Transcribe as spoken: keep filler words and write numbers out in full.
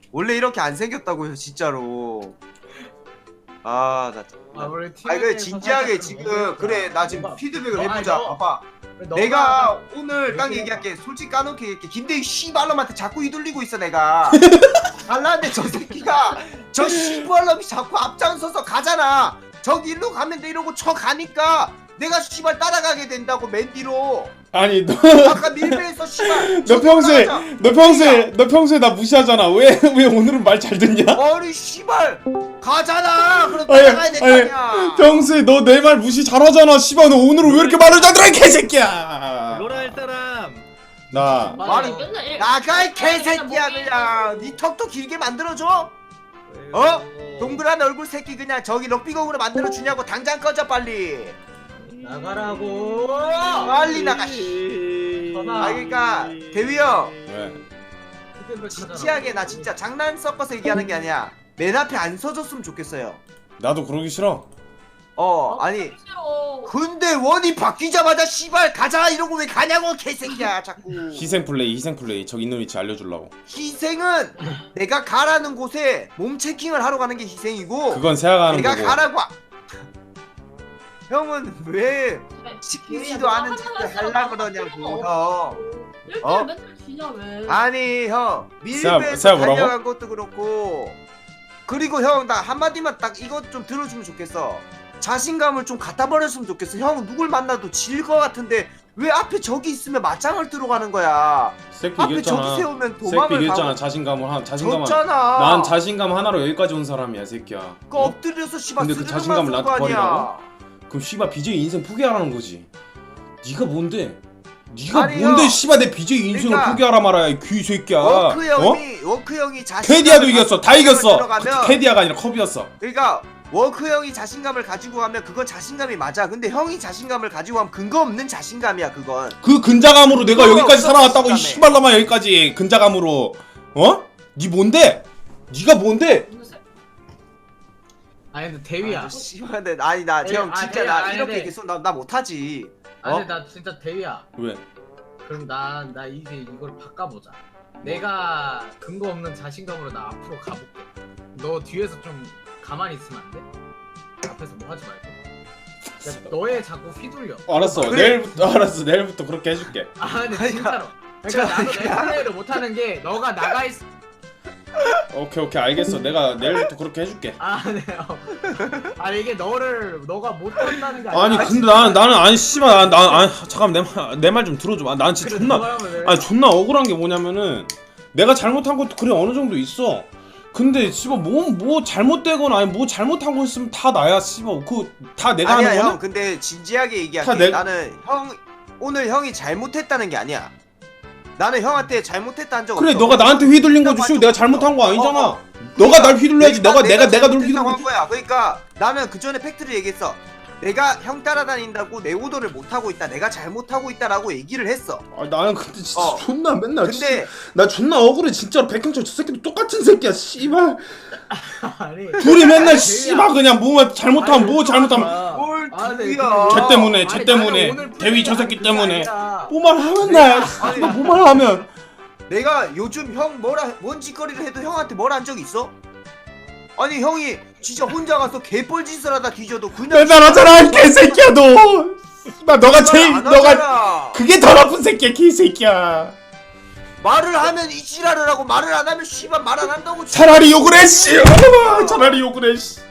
원래 이렇게 안 생겼다고요 진짜로. 아 나 아, 우리 아 그래 팀에서 진지하게 살짝 지금 좀 그래 나 지금 너가- 피드백을 너, 해보자. 아니, 너- 봐봐 너가 내가 오늘 왜 딱 그래? 얘기할게. 솔직히 까놓게 얘기할게. 김대희 씨발놈한테 자꾸 휘둘리고 있어 내가. 잘나는데 저 새끼가 저 씨발놈이 자꾸 앞장서서 가잖아. 저기 일로 가면 돼 이러고 쳐 가니까 내가 씨발 따라가게 된다고 맨 뒤로. 아니 너 아까 밀배에서 씨발 너 평소에 너 평소에 너 평소에 나 무시하잖아. 왜 왜 오늘은 말 잘 듣냐? 머리 씨발 가잖아. 그럼 아니, 따라가야 될 거 아니, 아니야. 평소에 너 내 말 무시 잘하잖아. 씨발 너 오늘은 왜 이렇게 말을 잘 들어 이 개새끼야. 로라 할 사람. 나 말이- 맨날 일- 나가 이 맨날 개새끼야 먹이- 그냥. 네 턱도 길게 만들어줘. 어? 동그란 얼굴 새끼 그냥 저기 럭비공으로 만들어 주냐고. 당장 꺼져 빨리. 나가라고. 빨리 나가. 씨. 전화. 아 그러니까 대위 형 왜? 피드백 진지하게 나 진짜 장난 섞어서 얘기하는 게 아니야. 맨 앞에 안 서줬으면 좋겠어요. 나도 그러기 싫어. 어 아니 싫어. 근데 원이 바뀌자마자 씨발 가자 이러고 왜 가냐고 개새끼야 자꾸. 희생 플레이 희생 플레이. 저기 있는 위치 알려주려고. 희생은 내가 가라는 곳에 몸 체킹을 하러 가는 게 희생이고 그건 세아가 하는 내가 거고. 가라고. 하- 형은 왜 그래. 시키지도 않은 짓을 하려 그러냐고 형. 일주일 어? 맨날 지냐 왜? 아니 형 세아- 밀배에서 세아 뭐라고? 달려간 것도 그렇고 그리고 형 나 한마디만 딱 이것 좀 들어주면 좋겠어. 자신감을 좀 갖다 버렸으면 좋겠어. 형 누굴 만나도 질 것 같은데 왜 앞에 저기 있으면 맞짱을 뜨러 가는 거야. 새끼 앞에 이겼잖아. 저기 세우면 새끼 도망을 이겼잖아. 가고. 자신감을 한 자신감. 졌잖아. 난 자신감 하나로 여기까지 온 사람이야, 새끼야. 그 어? 엎드려서 씨발 근데 그 스르륵 자신감을 맞을 나한테 거 아니야. 그럼 씨발 비제이 인생 포기하라는 거지. 네가 뭔데? 네가 아니, 뭔데 형. 씨발 내 비제이 인생을 그러니까 포기하라 말아야 이 귀새끼야. 워크 어? 형이 워크 형이 자신감을 캐디아도 이겼어. 다 가지고 이겼어. 들어가면 캐디아가 아니라 컵이었어. 그러니까 워크 형이 자신감을 가지고 가면 그건 자신감이 맞아. 근데 형이 자신감을 가지고 가면 근거 없는 자신감이야 그건. 그 근자감으로 내가 그거 여기까지 없어, 살아왔다고 이 자신감에. 씨발놈아 여기까지 근자감으로. 어? 네 뭔데? 네가 뭔데? 아니 근데 대위야. 아, 씨발 근데 아니 나 아니, 형 아, 진짜 아니, 나 아니, 이렇게 아니. 계속 나, 나 못하지. 아니 어? 나 진짜 대위야. 왜? 그럼 나 나 이제 이걸 바꿔보자. 내가 근거 없는 자신감으로 나 앞으로 가볼게. 너 뒤에서 좀 가만히 있으면 안 돼? 앞에서 뭐 하지 말고. 야, 너의 자꾸 휘둘려. 알았어. 그래. 내일부터 알았어. 내일부터 그렇게 해줄게. 아 근데 아니, 진짜로. 그러니까 나도 내 플레이를 못하는 게 너가 나가 있. 오케이 오케이 알겠어. 내가 내일부터 그렇게 해줄게. 아 네. 어. 아니 이게 너를 너가 못한다는 게 아니라. 아니 근데 나는 나는 아니 씨발 나 아니 잠깐 내말내 말 좀 들어줘. 아, 난 진짜 그래, 존나 너가 하면 돼. 아니 존나 억울한 게 뭐냐면은 내가 잘못한 것도 그래 어느 정도 있어. 근데 씨발 뭐 뭐 잘못되거나 아니 뭐 잘못한 거 있으면 다 나야 씨발 그 다 내가 아니야 하는 형 거는 근데 진지하게 다 얘기할게. 내- 나는 형 오늘 형이 잘못했다는 게 아니야. 나는 형한테 잘못했다는 적 그래 없어. 너가 나한테 휘둘린 거지 씨발 내가 잘못한 거 아니잖아. 너가 날 휘둘러야지. 너가 내가 내가 널 휘둘고 휘둘고 한 거야. 그러니까 나는 그 전에 팩트를 얘기했어. 내가 형 따라다닌다고 내 오더를 못 하고 있다. 내가 잘못하고 있다라고 얘기를 했어. 아 나는 근데 진짜 어. 존나 맨날 근데 진짜, 나 존나 억울해 진짜로. 백형철 저 새끼도 똑같은 새끼야 씨발. 아니. 둘이 맨날 아니, 씨발 그냥 뭐 잘못하면 뭐 잘못하면 뭘 아, 네, 두야. 쟤 때문에 쟤 아니, 때문에 나는 오늘 대위 저 플레이가 새끼 그게 때문에 아니라 뭐만 하면 나야. 씨발 뭐만 하면 내가 요즘 형 뭐라 뭔 짓거리를 해도 형한테 뭘 한 적 있어? 아니 형이 진짜 혼자 가서 개뻘짓을 하다 뒤져도 그냥 맨날 하잖아 이 개새끼야 너. 씨발 너가 제일 안 너가 하잖아. 그게 더 나쁜 새끼야 개새끼야. 말을 하면 이 지랄을 하고 말을 안 하면 씨발 말 안 한다고. 차라리 욕을 해 씨. 차라리 욕을 해 씨.